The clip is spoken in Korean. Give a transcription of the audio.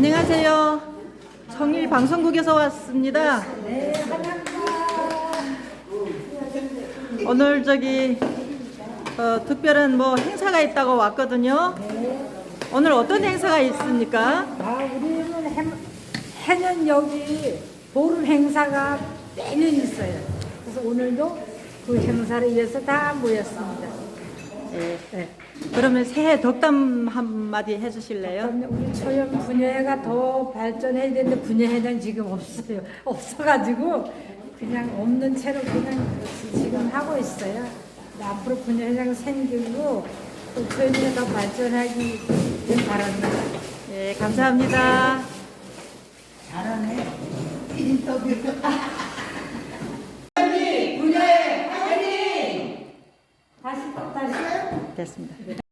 안녕하세요. 청일 방송국에서 왔습니다. 오늘 특별한 행사가 있다고 왔거든요. 오늘 어떤 행사가 있습니까? 우리는 해년 여기 보름 행사가 매년 있어요. 그래서 오늘도 그 행사를 위해서 다 모였습니다. 네. 그러면 새해 덕담 한마디 해주실래요? 그러면 우리 초연 분야회가 더 발전해야 되는데 분야회는 지금 없어요. 없어가지고 그냥 없는 채로 그냥 지금 하고 있어요. 앞으로 분야회장 생기고 또 초연회가 더 발전하기 바랍니다. 네, 감사합니다. 잘하네. 다시. 됐습니다.